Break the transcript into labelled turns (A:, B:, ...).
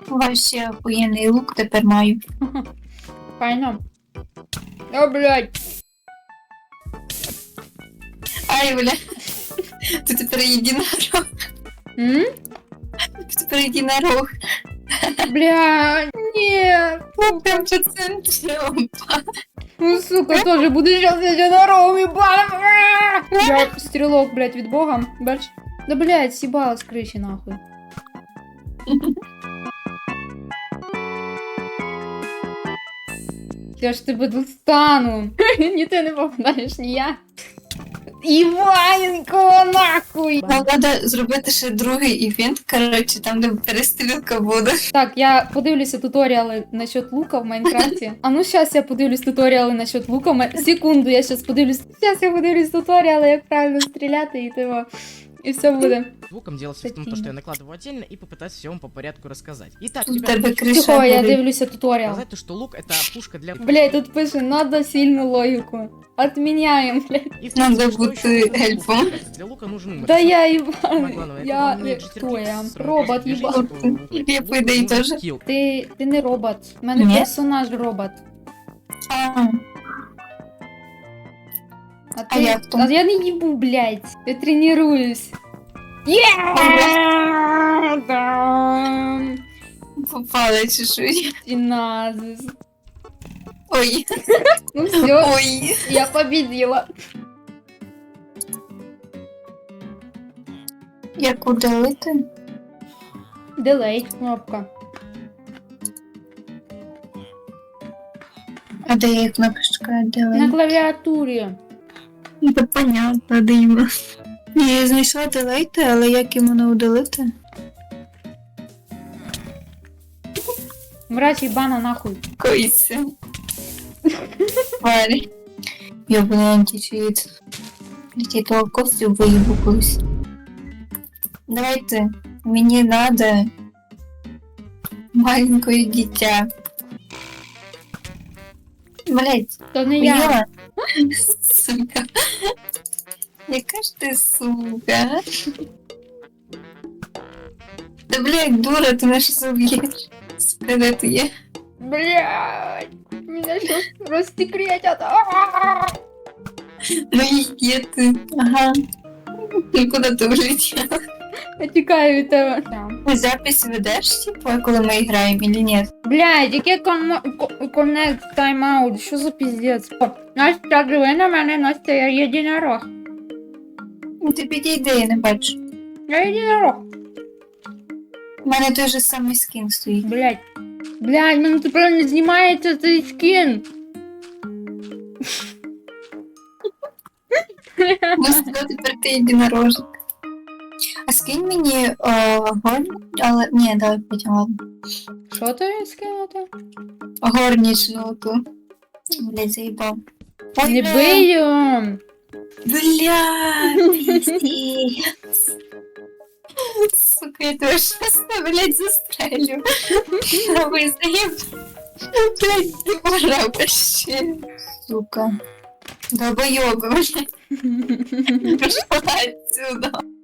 A: Вообще охуєнний лук тепер маю.
B: Файно. О, блядь.
A: Ай, бля. Ти тепер єдинорог.
B: М?
A: Ти тепер єдинорог.
B: Блядь, нет.
A: Ну, прям по центру.
B: Ну, сука, тоже буду сейчас единорогом, ебаным. Я стрелок, блядь, від бога. Бач? Да, блядь, съебала с крыши, нахуй. Я ж тебе достану. Ні ти не попадаєш, ні я. Іваненко, нахуй!
A: Нам треба зробити ще другий івент, коротше, там, де перестрілка буде.
B: Так, я подивлюся туторіали насчет лука в Майнкрафті. А ну щас я подивлюсь туторіали насчет лука. Секунду, я щас подивлюсь. Щас я подивлюсь туторіали, як правильно стріляти і того. І все буде.
C: Звуком дело все в том, что я накладываю отдельно и попытаюсь все вам по порядку рассказать. Итак,
A: Тут
C: ребята,
A: тебе
C: хочу
A: крыша
B: Тихо, я
A: горить.
B: дивлюся туторіал.
C: сказать, то, что лук это пушка для...
B: Блять, тут пише, надо сильну логіку. Отміняємо, блять.
C: И в
A: Надо
C: принципе, что
A: бути
C: еще нужно?
A: эльфом.
C: Для лука нужен умер.
B: Да я
C: Самое
B: Іван.
C: главное, это
B: Я...
C: уметь
B: Хто я?
C: с
B: Робот
C: движением
B: їбан.
A: Я по ідеї
C: нужен
A: теж.
C: скилл.
B: Ти не робот. У мене
A: Ні?
B: персонаж робот.
A: А,
B: А
A: я хто?
B: А я не їбу, блядь. Я тренуюсь. Є!
A: попала чешуя.
B: І назис.
A: Ой,
B: Ну все,
A: ой.
B: я победила.
A: Як удалити?
B: Делей, кнопка.
A: А де є кнопочка
B: На
A: делай?
B: клавіатурі.
A: Це понятно, дивно. Ні, я знайшла делейте, але як йому не удалити?
B: Мразь їбана нахуй.
A: Койся. Парі. Йобаний античит. Я того Костю виїбу колись. Давайте. Мені надо маленькое дитя. Блять,
B: То не я.
A: поняла? Сука. Яка ж ти сука? Да блять, дура, ти нас щас уб'єш. Сука, де ти є?
B: Блядь. Меня сейчас рассекретят.
A: Ну і є ти. Ага. Ну куди ти влетіла?
B: Я тікаю від тебе.
A: Ти запись ведеш, типу, коли ми граємо, или ні?
B: Блядь, яке connect timeout? Що за пиздец? Настя, диви на мене, Настя, я єдинорог.
A: Ну ти підійди, я не бачу.
B: Я єдинорог.
A: У мене той же самий скін стоїть.
B: Блядь. Блядь, мене тепер не знімається цей скін.
A: Ну що, тепер ти єдинорожик. А скинь мені горні, але... Ні, давай потім, ладно.
B: Що тобі скинути?
A: Горнічну ту. Блядь, заїбав. Ой,
B: Не
A: бля.
B: бий його.
A: Бля, пиздец. Сука, я тебе сейчас, блядь, застрелю. Давай, заеб. Блядь, ты пора вообще. Сука. Долбоёбы, блядь. Пошла отсюда.